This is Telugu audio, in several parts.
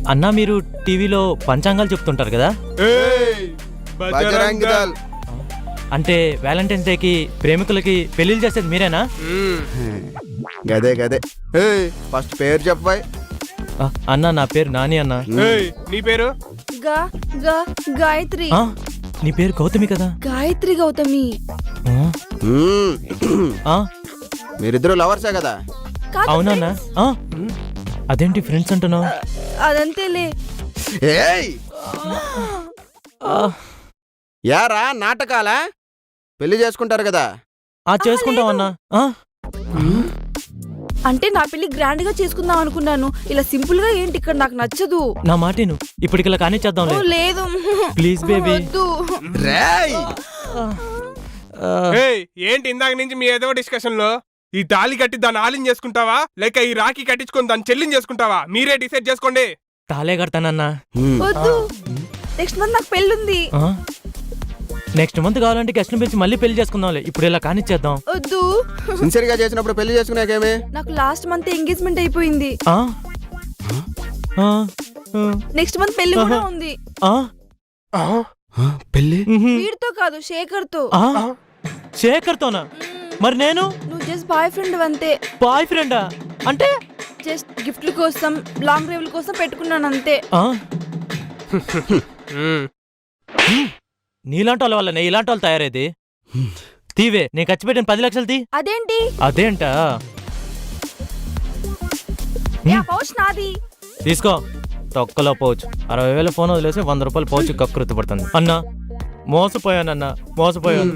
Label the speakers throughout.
Speaker 1: అన్నా మీరు టీవీలో పంచాంగాలు చెప్తుంటారు కదా,
Speaker 2: బజరంగ్ దళ్.
Speaker 1: అంటే వ్యాలంటైన్స్ డేకి ప్రేమికులకి పెళ్లిళ్ళు చేసేది మీరేనా?
Speaker 2: గదే గదే. ఫస్ట్ పేరు చెప్పాయి.
Speaker 1: అన్నా నా పేరు నాని అన్నా.
Speaker 3: నీ పేరు?
Speaker 4: గాయత్రి.
Speaker 1: నీ పేరు గౌతమి కదా?
Speaker 4: గాయత్రి గౌతమి.
Speaker 2: మీరిద్దరు లవర్సే కదా?
Speaker 1: అవునా? అదేంటి ఫ్రెండ్స్ అంటున్నావు?
Speaker 4: అదంతేలే.
Speaker 2: యారా నాటకాలా? పెళ్లి చేసుకుంటారు కదా?
Speaker 1: చేసుకుంటాం అన్నా.
Speaker 4: అంటే నా పెళ్లి గ్రాండ్ గా చేసుకుందాం అనుకున్నాను. ఇలా సింపుల్ గా ఏంటి ఇక్కడ నాకు నచ్చదు.
Speaker 1: నా మాటను ఇప్పటికిలా కానీ చేద్దాం.
Speaker 4: లేదు
Speaker 1: ప్లీజ్ బేబీ.
Speaker 3: ఏంటి ఇందాక నుంచి మీ ఏదో డిస్కషన్ లో ఈ తాళి కట్టి దాన్ని ఆలింగ్ చేసుకుంటావా లేక ఈ రాఖీ కట్టించుకొని దాన్ని చెల్లింగ్ చేసుకుంటావా? మీరే డిసైడ్ చేసుకోండి.
Speaker 1: తాలే కడతానన్నా.
Speaker 4: వద్దు, నెక్స్ట్ మంత్ నాకు పెళ్ళుంది.
Speaker 1: నెక్స్ట్ మంత్ కావాలంటే గెస్ట్ పిలిచి మళ్ళీ పెళ్లి చేసుకుందాంలే. ఇప్పుడు ఇలా కానిచ్చేద్దాం.
Speaker 4: వద్దు.
Speaker 2: సిన్సియర్ గా చేసినప్పుడు పెళ్లి చేసుకునేకేమే?
Speaker 4: నాకు లాస్ట్ మంత్ ఎంగేజ్మెంట్ అయిపోయింది. నెక్స్ట్ మంత్ పెళ్లి కూడా ఉంది.
Speaker 2: పెళ్లి
Speaker 4: వీడితో కాదు, శేఖర్ తో.
Speaker 1: శేఖర్ తోనా? మరి నేను?
Speaker 4: నువ్వు జస్ట్ బాయ్ ఫ్రెండ్ అంతే.
Speaker 1: బాయ్ ఫ్రెండా? అంటే
Speaker 4: జస్ట్ గిఫ్ట్ల కోసం, లాంగ్ డ్రైవ్ల కోసం పెట్టుకున్నాను అంతే.
Speaker 1: నీలాంటి వాళ్ళ వల్ల ఇలాంటి వాళ్ళు తయారైంది. తీవే, నేను ఖర్చు పెట్టిన 10 లక్షలు తీ.
Speaker 4: అదేంటి?
Speaker 1: అదేంటా?
Speaker 4: పౌచ్ నాది.
Speaker 1: తీసుకో. తొక్కలో పౌచ్ 60,000 ఫోన్ వదిలేసి 100 రూపాయలు పౌచ్ కక్కుర్తి పడుతుంది. అన్నా మోసపోయానన్నా, మోసపోయాను.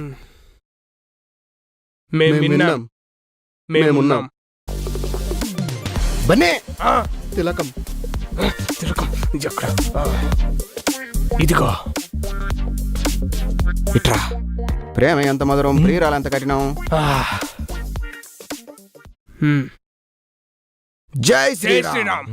Speaker 3: మేమున్నాం.
Speaker 2: బన్నే తిలకం.
Speaker 3: ఇదిగో ఇట్రా.
Speaker 2: ప్రేమ ఎంత మధురం, ప్రియురాలు ఎంత కఠినం. జై శ్రీరామ్.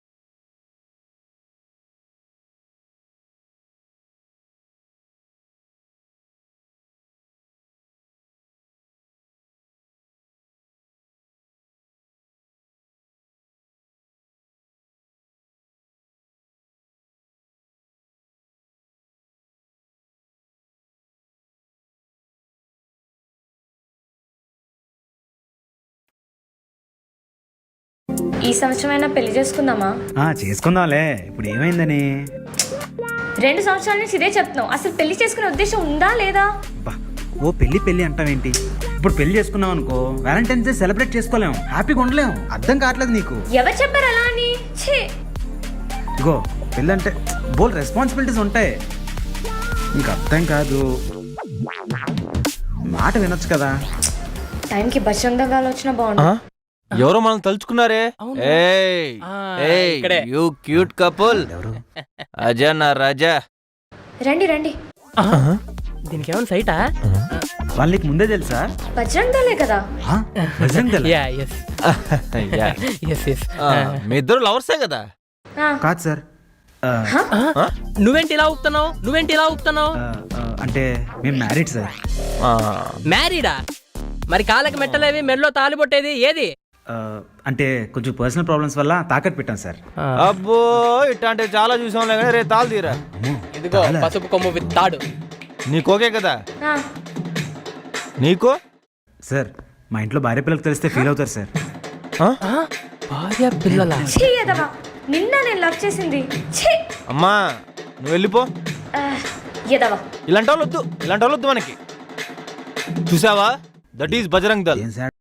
Speaker 5: ఈ సంవత్సరమైనా పెళ్లి చేసుకుందామా?
Speaker 6: చేసుకుందాంలే. ఇప్పుడు ఏమైందని?
Speaker 5: 2 సంవత్సరాల నుంచి ఇదే చెప్తున్నావు. అసలు పెళ్లి చేసుకునే ఉద్దేశం ఉందా లేదా?
Speaker 6: ఓ పెళ్లి అంటావేంటి? ఇప్పుడు పెళ్లి చేసుకున్నాం అనుకో, వ్యాలంటైన్స్ డే సెలబ్రేట్ చేసుకోలేము, హ్యాపీగా ఉండలేము. అర్థం కావట్లేదు నీకు?
Speaker 5: ఎవరు చెప్పారు అలా అని?
Speaker 6: ఇగో పెళ్ళి అంటే బోల్ రెస్పాన్సిబిలిటీస్ ఉంటాయి. నీకు అర్థం కాదు. మాట వినొచ్చు కదా.
Speaker 5: టైంకి బజరంగ్ దళ్ వచ్చినా బాగుండు.
Speaker 1: ఎవరో మనం తలుచుకున్నారే. You cute couple. అజా నా రాజా.
Speaker 5: రండి రండి.
Speaker 7: దీనికి ఏమైనా సైటా?
Speaker 6: వాళ్ళకి ముందే తెలుసా?
Speaker 5: బజరంగ్ దళే కదా?
Speaker 1: మీ ఇద్దరు లవర్సే కదా?
Speaker 6: కాదు సార్.
Speaker 7: నువ్వేంటి ఇలా ఊపుతున్నావు?
Speaker 6: అంటే మేము మ్యారీడ్ సార్.
Speaker 7: మ్యారీడా? మరి కాళ్ళకి మెట్టలేవి, మెడలో తాలిబొట్టేది ఏది?
Speaker 6: అంటే కొంచెం పర్సనల్ ప్రాబ్లమ్స్ వల్ల తాకట్టు పెట్టాం సార్.
Speaker 1: అబ్బో ఇట్లాంటి చాలా చూసాంలే కానీ రే తాళు తీరా.
Speaker 7: ఇదిగో పసుపు కొమ్ము విత్తాడు.
Speaker 1: నీకు ఓకే కదా? నీకు?
Speaker 6: సార్ మా ఇంట్లో భార్య పిల్లలకు తెలిస్తే ఫీల్ అవుతారు సార్.
Speaker 7: భార్య పిల్లల?
Speaker 5: నిన్న నేను లవ్ చేసింది.
Speaker 1: అమ్మా నువ్వు వెళ్ళిపో. ఇలాంటి వాళ్ళు వద్దు మనకి. చూసావా? That is Bajrang Dal.